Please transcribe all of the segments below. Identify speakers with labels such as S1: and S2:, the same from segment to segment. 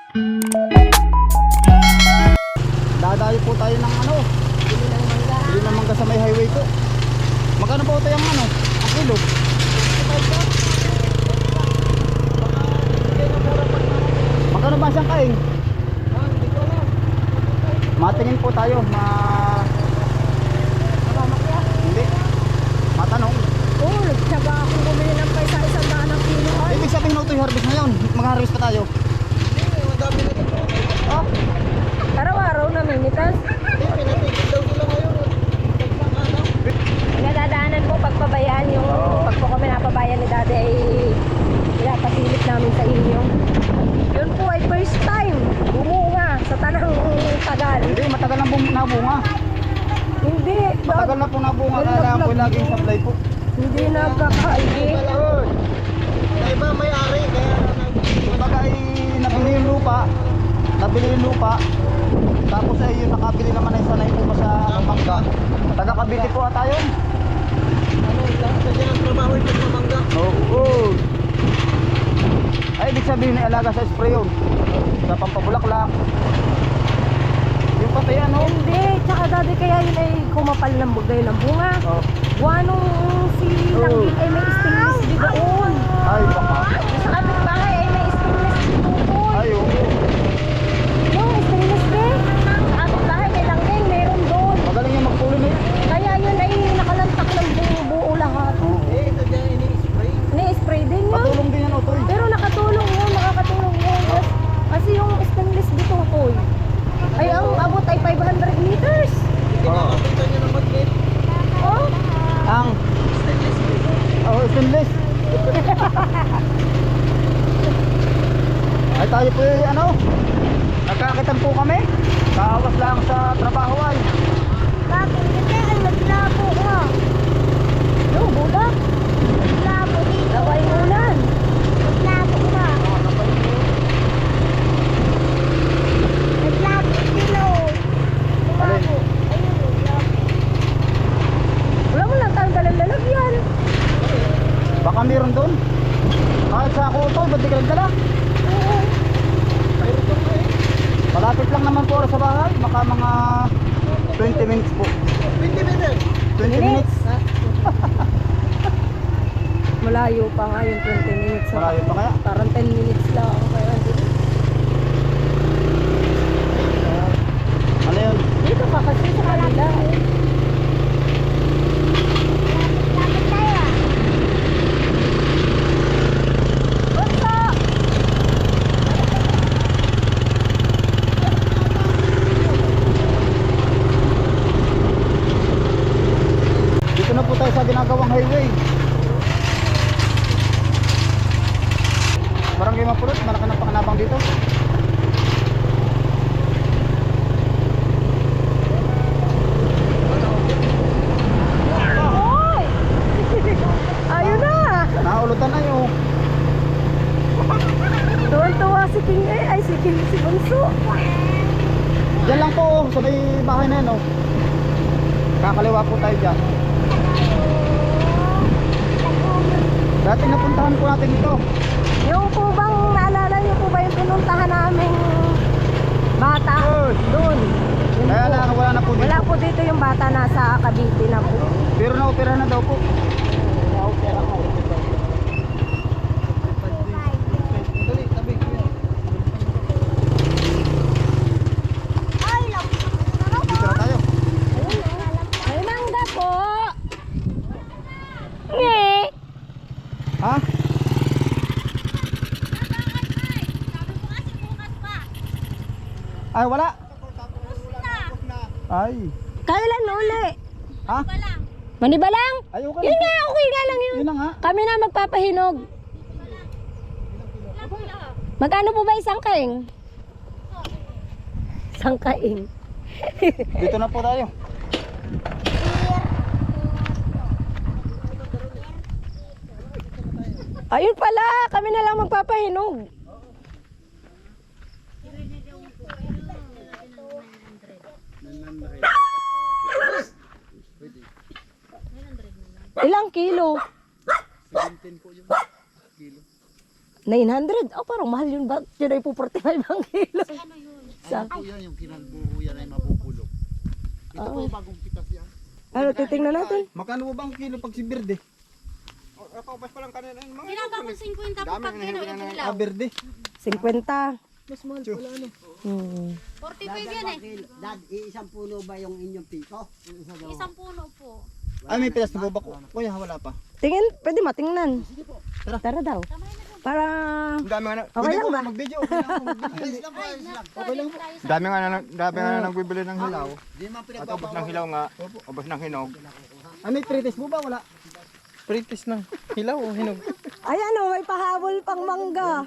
S1: Dadayo po tayo ng ano, bili ng mangga sa may highway po. Magkano po ito yung ano, ang kilo? Magkano ba siyang kaing? Matingin po tayo, hindi, matanong.
S2: Oo, nagtsaga akong bumili ng paisa isang daan ng kilo.
S1: Ibig sabihin na ito yung harvest ngayon, mag-harvest pa tayo. Ah,
S2: Araw-araw namimitas. Nadadaanan po pagpabayaan yung pag po kami napabayan ni dati ay pinapasilip namin sa inyo. Yun po ay first time bumunga sa tanang tagal.
S1: hindi, matagal na nabunga.
S2: Hindi.
S1: Matagal na po nabunga, kaya po laging supply po.
S2: Hindi nagkakaigi.
S3: Iba may-ari kaya
S1: Kumbaga ay nabili yung lupa, tapos ay yung nakabili naman ay sanay po pa sa mangga. Taga Cavite po ata yun.
S3: kasi ang trabaho ito sa mangga.
S1: Oo. Ay, ibig sabihin ay alaga sa spray yun. Sa pampabulaklak. Yung pati ano?
S2: Hindi. Tsaka dati kaya yun ay kumapal ng bugay ng bunga.
S1: Oh.
S2: Wanong si Langgit ay may stainless di doon.
S1: Ay, baka.
S2: Sa kapitbahay ay may stainless dito po.
S1: Ay, oo.
S2: Yung stainless din. Sa kapitbahay may Langgit, meron doon.
S1: Magaling yung magpulimit.
S2: Kaya yun ay nakalantak ng buo lahat.
S3: Ito dyan ini-spray.
S2: Ni-spray din yun.
S1: Patulong din yan, Otoy.
S2: Pero nakatulong yun, nakakatulong yun. Kasi yung stainless dito po ay ang abot ay 500 meters.
S3: Kinakapitan nyo ng magnet.
S2: Oh,
S1: Ang stainless. Ay, tayo po yung ano, nagkakitan po kami. Kaawas lang sa trabaho ay.
S2: bakit? Kasi ay naglabo nga. Yung buda. Naglabo dito. Laway ulan. Naglabo nga. Naglabo dito.
S1: Alin?
S2: Wala mo lang tayong dalang lalagyan.
S1: Baka meron doon. Kahit sa ako ito, ba't di ka nagdala?
S2: Oo.
S1: Malapit lang naman po sa bahay. Baka mga 20 minutes po.
S3: 20 minutes.
S1: 20 minutes?
S2: Malayo pa nga yung 20 minutes.
S1: Malayo pa kaya?
S2: Parang 10 minutes lang. Kaya
S1: Ano yun?
S2: dito pa kasi sa kanila. Lapit tayo. Bunso!
S1: Dito na po tayo sa ginagawang highway. Barangay Mapulot, malaki ng pakanabang dito.
S2: Hoy! Ayun na!
S1: Naulutan na yung
S2: Tuwan-tuwa si King ay si King si Bunso.
S1: Diyan lang po, sa may bahay na yan, oh. Kakaliwa po tayo dyan. Dati napuntahan po natin ito.
S2: Yung po bang naalala niyo po ba yung pinuntahan naming bata? Doon. Yun
S1: Kaya
S2: po.
S1: lang, wala na po dito.
S2: Wala po dito yung bata, nasa Cavite na po.
S1: Pero na-opera na daw po.
S3: Dali, tabi ko yan.
S1: Dito na tayo.
S2: Ay, mangga po! Nge!
S1: Ha? Ay, wala. Ay.
S2: Kailan uli?
S1: Ha?
S2: Manibalang?
S1: Ay, okay.
S2: Yun nga, okay nga lang yun.
S1: Yun na nga.
S2: Kami na magpapahinog. Magkano po ba isang kaing? Isang kaing.
S1: Dito na po tayo.
S2: Ayun pala, kami na lang magpapahinog. Ilang kilo?
S1: 17 po yung kilo.
S2: 900? Oh, parang mahal yun. Ba't yun ay po 45 ang kilo?
S4: Ano yun?
S2: Sa,
S3: Po yan, yung kinagbuo yan ay mabubulok. Ito po yung bagong pitas yan.
S2: ano, titingnan natin.
S1: Magkano ba ang kilo pag si Berde?
S3: Paubas pa lang kanina yung mga
S4: Ginagawa ko 50 po pag kilo yung
S1: Ah,
S4: ilaw.
S1: Berde.
S2: 50.
S4: 45 yan eh.
S5: Dad, iisang puno ba yung inyong piko?
S4: Isang puno po.
S1: Ay, may pilas na po ba? Kuya, wala pa.
S2: Tingin, pwede matingnan. Tara daw. Para,
S1: Ang dami nga na.
S2: Okay
S1: Pwede
S2: lang
S1: ko
S2: ba?
S1: mag-video. Okay lang ako mag-video.
S4: Okay lang po.
S6: Dami nga na nagbibili ng hilaw.
S3: Di man
S6: At ubos ng hilaw nga, ubos ng hinog.
S1: Ah, may pre-test mo ba? Wala.
S6: Pritis ng hilaw o hinog.
S2: ay ano, may pahabol pang mangga.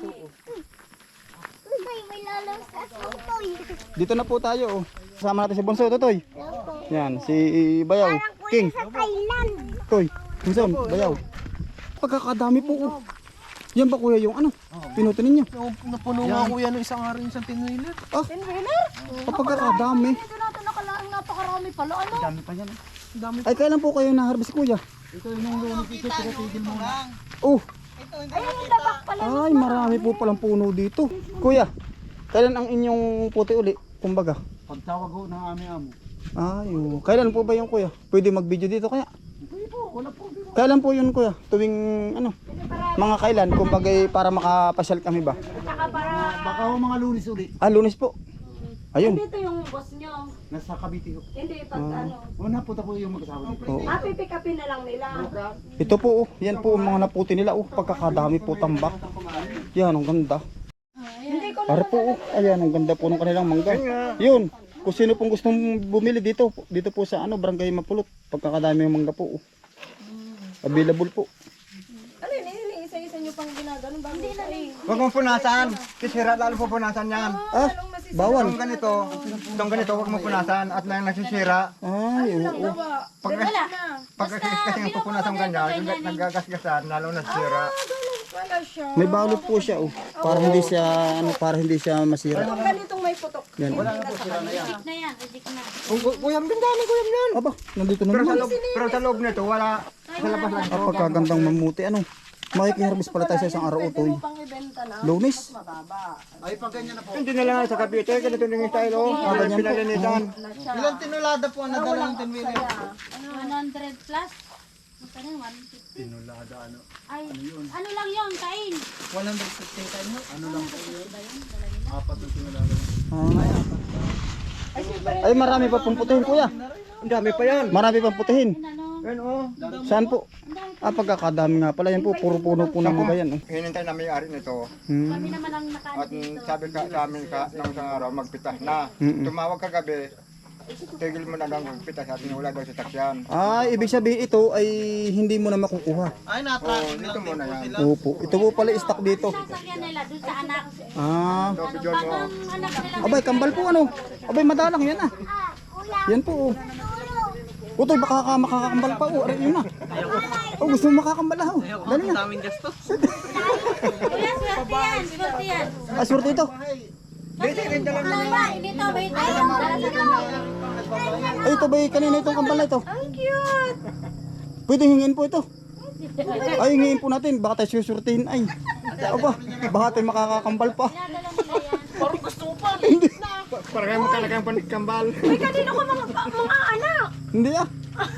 S1: Dito na po tayo. Oh. Kasama natin si Bonso, Totoy. Yan, si Bayaw. King. Toy. Bunson, Bayaw. Pagkakadami po. Oh. Yan ba kuya yung ano? Pinuto ninyo?
S3: napuno nga kuya ng isang araw yung isang tinwiler.
S1: Ah, pagkakadami.
S4: Ito natin nakalaan napakarami pala. Ano?
S1: Dami pa yan. Ay, kailan po kayo na-harvest kuya?
S3: Ito yung lunes ito, tiratigil mo lang.
S1: Oh,
S4: Ayun yung labak pala.
S1: ay marami po palang puno dito. Kuya, kailan ang inyong puti uli? Kumbaga.
S3: Pagtawag ho ng aming amo.
S1: Ay, oh. Kailan po ba yung kuya? Pwede mag-video dito kaya? Kailan po yun kuya? Tuwing ano? Mga kailan? Kumbaga para makapasyal kami ba?
S3: Baka ho mga lunes ulit.
S1: Ah, Lunes po. Ayun.
S2: Dito yung boss nyo.
S3: Nasa Cavite ho.
S2: Hindi, pag ano.
S3: Una punta po yung mag-asawa dito.
S1: Oo.
S2: Pick upin na lang nila.
S1: Ito po, oh. Yan po ang mga naputi nila. Oh, pagkakadami po tambak. Yan, ang ganda. Para po, oh. Ayan, ang ganda po ng kanilang mangga. Yun, kung sino pong gustong bumili dito po sa ano, Barangay Mapulot. Pagkakadami ng mangga po. Oh. Available po.
S2: Ano yun, isa-isa nyo pang ginaganon bago sa
S6: Huwag mong punasan. Kisira lalo po punasan yan.
S1: Ah, bawal.
S6: Itong ganito, huwag mong punasan at lang nasisira.
S1: Ay, oo.
S6: Pag kasi nga pupunasan ganyan, nagagasgasan, lalo nasisira.
S2: Wala siya.
S1: May balot po siya, oh. Para hindi siya masira.
S2: Kung ganitong may putok.
S1: Yan.
S4: Na yan, reject na.
S6: Kuyam din dami, kuyam yan.
S1: Aba, nandito na
S6: Pero sa
S1: naman.
S6: loob, pero sa loob nito, wala. Sa labas lang.
S1: Ah, pagkagandang mamuti, ano. Makikiharvest pala tayo sa isang araw, Utoy.
S2: Pang ibenta na.
S1: Lunes.
S3: Ay, pag ganyan na po.
S6: Hindi na lang sa Cavite, ganito din yung style, oh. Ang
S1: ganyan po.
S6: pinalinitan.
S3: Ilang tinulada po ang nadala ng tinwiler?
S4: 100 plus. Magkano yung 150?
S3: Tinulada ano?
S4: Ay, ano lang yun, kain.
S3: 150 tayo mo? Ano lang po yun? Apat yung tinulada.
S1: Ay, marami pa pong putihin, kuya.
S6: Ang dami pa yan.
S1: Marami pang putihin.
S4: Ano?
S6: Yan, oh.
S1: Saan po? Ah, pagkakadami nga pala. Yan po, puro puno po ng mga yan. Oh.
S6: Hinintay namin yung ari nito.
S4: Kami
S1: Hmm.
S4: naman ang nakaano
S6: At
S4: dito.
S6: sabi ka sa amin nung isang araw, magpitas na.
S1: Mm-mm.
S6: Tumawag ka gabi, tigil mo na lang magpitas at wala daw sa taksyan.
S1: Ah, ibig sabihin ito ay hindi mo na makukuha.
S3: Ay,
S6: Oo,
S3: na-tracking
S6: dito
S3: lang din
S6: muna
S3: po
S6: yan.
S3: sila.
S1: Opo. Ito po pala stock dito.
S4: Sasakyan nila dun sa anak.
S1: Ah.
S6: Ito, video
S4: Pag
S6: mo.
S4: ang anak nila.
S1: Abay, kambal po ano. Abay, madalang yan ah. Yan po oh. Utoy, baka makakambal pa oh. Aray, yun na. Oh, gusto mo makakambal ah. Oh. Dali na.
S3: Daming gastos.
S4: Kuya, swerte yan, swerte yan.
S1: Ah, swerte ito.
S4: Dito, wait.
S1: Ay, ito ba kanina itong kambal na ito?
S2: Ang cute!
S1: Pwede hingin po ito. Ay, hingin po natin. Baka tayo susurtihin. Ay, aba, baka tayo makakakambal pa.
S4: Nadala nila yan.
S6: Para kayo magkalagay ang kambal.
S2: Uy, kanino ko mga anak?
S1: Hindi ah.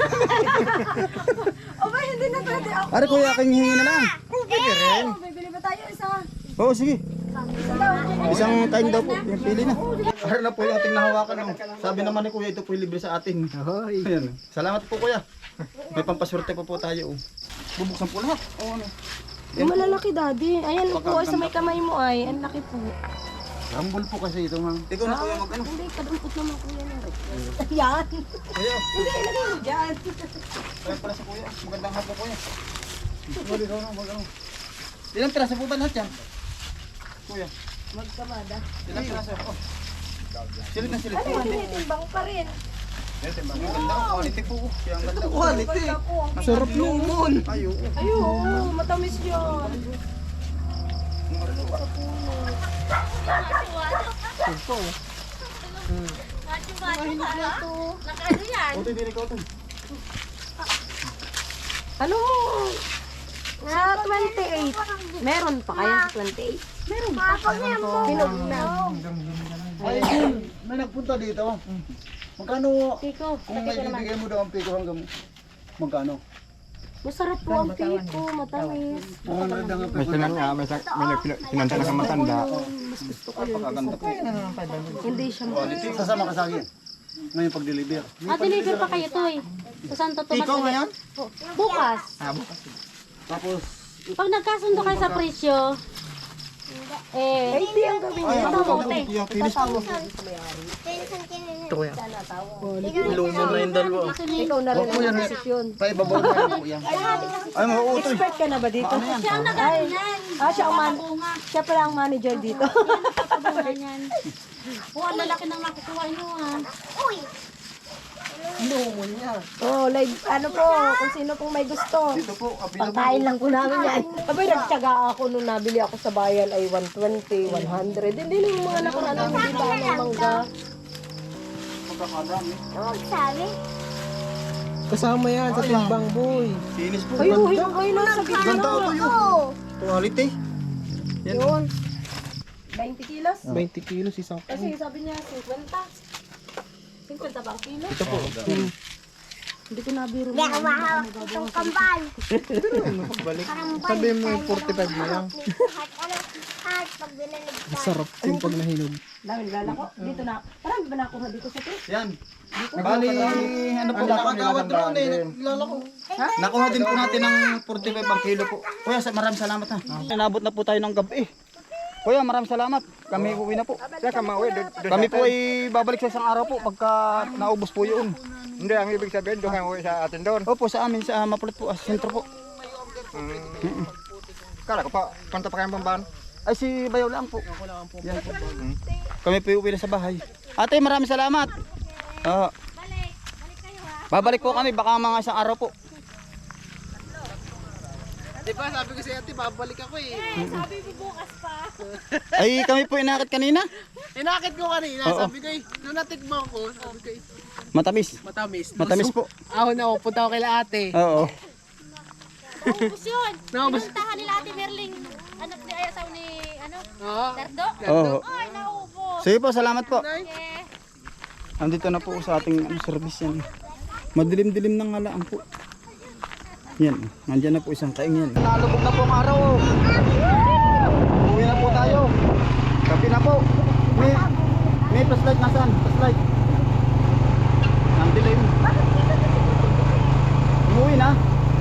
S2: Aba, hindi na pwede ako.
S1: Ari, kuya, aking hingin na lang.
S2: Pwede rin. Bibili ba tayo isa?
S1: Oo, sige.
S2: Isa daw.
S1: Isang time daw po. Yung pili na. Ari na po yung ating nahawakan. Oh. Sabi naman ni kuya, ito po yung libre sa atin. Ayan. Salamat po kuya. May pampaswerte po tayo. Oh. Bubuksan po lahat. Oh, ano.
S2: Yung malalaki, daddy. Ayan po, sa may kamay mo ay. Ang laki po.
S3: Rambol po kasi ito nga.
S1: Ikaw na kuya mag-ano.
S2: Hindi, kadampot naman kuya na rin. Ayan.
S1: Kuya,
S2: Hindi, ilagay mo dyan.
S1: kaya pala sa kuya. Magandang hapon kuya. Wali daw na mag-ano. Ilang piraso po ba lahat yan? Kuya.
S2: Magkamada.
S1: Ilang piraso? Oh. Silid na silid.
S2: Ano yung tinitimbang pa rin?
S1: Ang ganda ang quality po. Kaya ang ganda.
S3: Quality.
S1: Ang sarap lumon. Ay, oo.
S2: Ayun, matamis yun.
S4: Nakaano yan?
S1: Ito, hindi ikaw ito.
S2: Ano mo? Sa 28. Meron pa kaya sa 28? Meron pa. Hinog na.
S3: Ay, may nagpunta dito. Magkano, kung may bibigay mo daw ang piko hanggang magkano?
S2: Masarap po ang piko, matamis.
S3: Mga nagdang ang
S6: May
S3: piko.
S6: sinan nga, may sinanta na matanda.
S2: Mas gusto ko yun.
S3: Pagkaganda po.
S2: Hindi siya
S3: Quality. Sasama ka sa akin. Ngayon pag-deliver.
S4: Deliver pa kayo, Toy. Sa Santo Tomas.
S3: Ikaw ngayon?
S4: Bukas.
S3: Tapos,
S4: Pag nagkasundo kayo sa presyo,
S2: Ay, hindi ang gawin niya.
S4: mabuti.
S2: Ikaw na rin ang desisyon.
S3: paibabaw mo yan po yan. Ay, mauutoy.
S2: Expert ka na ba dito?
S4: Siya ang nagaganyan.
S2: Siya pala ang manager dito.
S4: Ganyan. Oh, ang lalaki ng makukuha nyo, ha?
S2: Oh, live, ano po, kung sino pong may gusto.
S3: Dito po,
S2: Pagkain lang po namin yan. Abay, nagtyaga ako nung nabili ako sa bayan ay 120, 100. Hindi nung mga nakaraan ang hindi ba ng mangga.
S3: Magkakadami.
S7: Kasama yan sa timbang boy.
S3: Sinis po.
S2: Kayo, kayo lang sa gitna.
S3: Ganda ito yun. Quality. Yan.
S2: Yun. 20 kilos?
S7: 20 kilos isang
S2: Kasi sabi niya 50. 50 bang kilo?
S3: Ito po.
S2: Hindi ko nabiro.
S4: Itong kambal.
S7: Sabi mo yung 45 na lang. Sarap yung pag nahinog.
S2: Dahil lalako. Dito na. Parang ba nakuha dito sa ito?
S3: Yan. Bali, ano po
S6: Nakakawat drone eh.
S3: Nakuha din po natin ng 45 ang kilo po. Kuya, maraming salamat ha. Nabot na po tayo ng gabi. Kuya, maraming salamat. Kami uwi na po.
S6: Kaya kamauwi.
S3: Kami po ay babalik sa isang araw po pagka naubos po yun.
S6: Hindi, ang ibig sabihin, doon kayo uwi sa atin doon.
S3: Opo, sa amin, sa Mapulot po, sa sentro po.
S6: Kala ko pa, punta pa kayong Bamban.
S3: Ay, si Bayaw lang po. Yan po. Kami po uwi na sa bahay. Ate, maraming salamat. Babalik po kami, baka mga isang araw po.
S7: Di ba sabi ko sa ate, babalik ako eh.
S3: Ay, kami po inakit kanina.
S7: Inakit ko kanina,
S3: Oo.
S7: sabi ko eh, nung natikmo ko, sabi ko eh,
S3: Matamis.
S7: matamis.
S3: Matamis po.
S7: Ahon ako, punta ako kay ate.
S3: Oo.
S4: Naubos yun.
S7: Naubos.
S4: Pinuntahan nila Ate Merling. Anak ni Ayasaw ni,
S7: Oo.
S4: Dardo.
S3: Oo.
S4: Ay, naubos.
S3: Sige po, salamat po.
S4: Eh,
S3: Andito na po sa ating service yan. Madilim-dilim ng halaan po. Yan, nandyan na po isang kaing yan. Nalubog na po ang araw. Uwi na po tayo. Kapi na po. May flashlight nasaan? Flashlight. Nandilim. Umuwi na.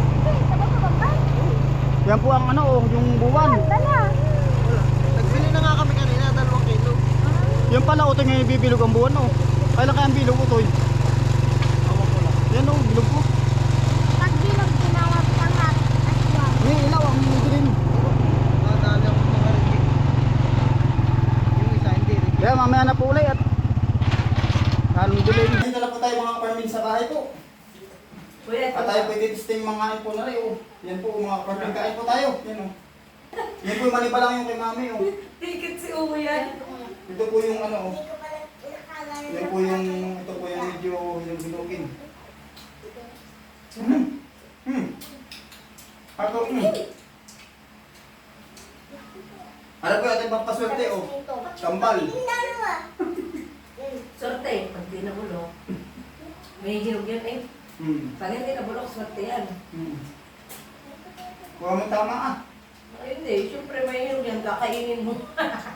S3: Yan po ang ano, yung buwan.
S7: Nagbili na nga kami kanina, 2 kilo.
S3: Yan pala, utoy ngayon bibilog ang buwan. Oh. Kailan kaya ang bilog, utoy? Yan o, bilog po.
S4: pag bilang tinawag ka nga.
S3: May ilaw ang dilim.
S7: Nadali ako ng rinig. Yung isa, hindi rin.
S3: Kaya mamaya na po ulit at halong dilim. Dito na po tayo mga kaparmin sa bahay po. At tayo pwede disting mga kain po na rin. Oh. Yan po mga kaparmin, kain po tayo. Yan o. Yan po yung mali pa lang yung kay mami. Oh.
S2: Tikit si Uwe yan.
S3: Ito po yung ano. Oh. Yan po yung, ito po yung medyo yung binugin. Ako, Ano po yung ating pampaswerte oh. Kambal.
S2: Sorte, pag di nabulok. May hinog yan eh. Pag hindi nabulok, sorte yan.
S3: Huwag mo tama ah.
S2: Ay, hindi, syempre may hinog yan, kakainin mo.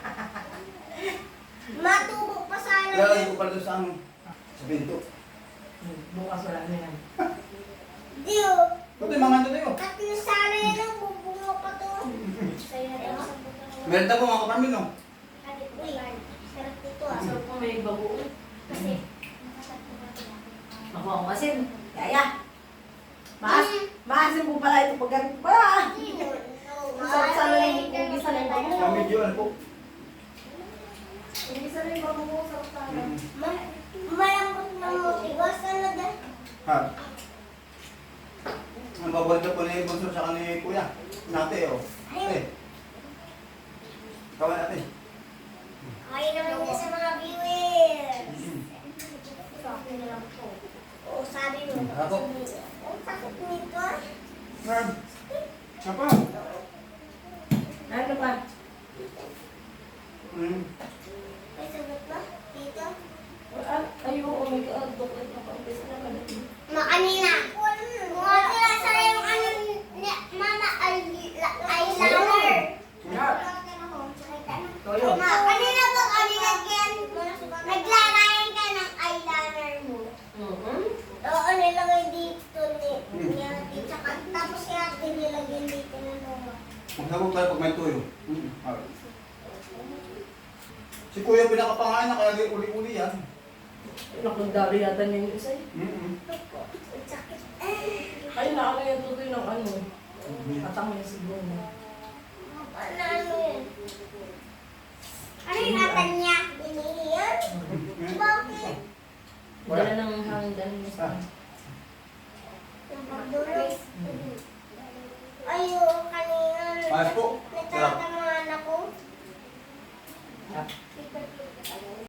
S4: Matubog pa sana.
S3: Lalagay ko pala doon sa ano. Sa bento.
S2: Bukas wala na yan.
S4: Dio.
S3: Ito yung mga ito tayo.
S4: At yung sana yan ang bubunga pa to. Sa'yo na yung
S3: Meron na po mga kaparmin no.
S4: Uy, sarap dito ah.
S2: Sarap po may bago.
S4: Kasi,
S2: Ako ang masin. Kaya. Maasin po pala ito pag ganito pa. Masarap sana yung gisa na yung bago.
S3: Mga medyo ano po.
S2: Yung gisa na yung bago mo, sarap sana.
S4: malambot na mo. Iwas ka na dyan.
S3: Ha? Ang babalik na po ni Bonso sa ni Kuya. Nate oh. Eh. Kawin natin.
S4: Okay naman niya sa mga viewers. Okay na lang po. Oo, sabi mo.
S3: Ako.
S4: Ang sakit nito ah.
S3: Merb. Apa? Nabog tayo pag may tuyo. Si Kuya pinakapangain na kaya uli-uli yan.
S2: Nakagdari yata niya yung isa eh.
S4: Sakit.
S2: Ay, naano yung tutoy ng ano. Atang niya siguro.
S4: Ano yun? Ano yung atan niya?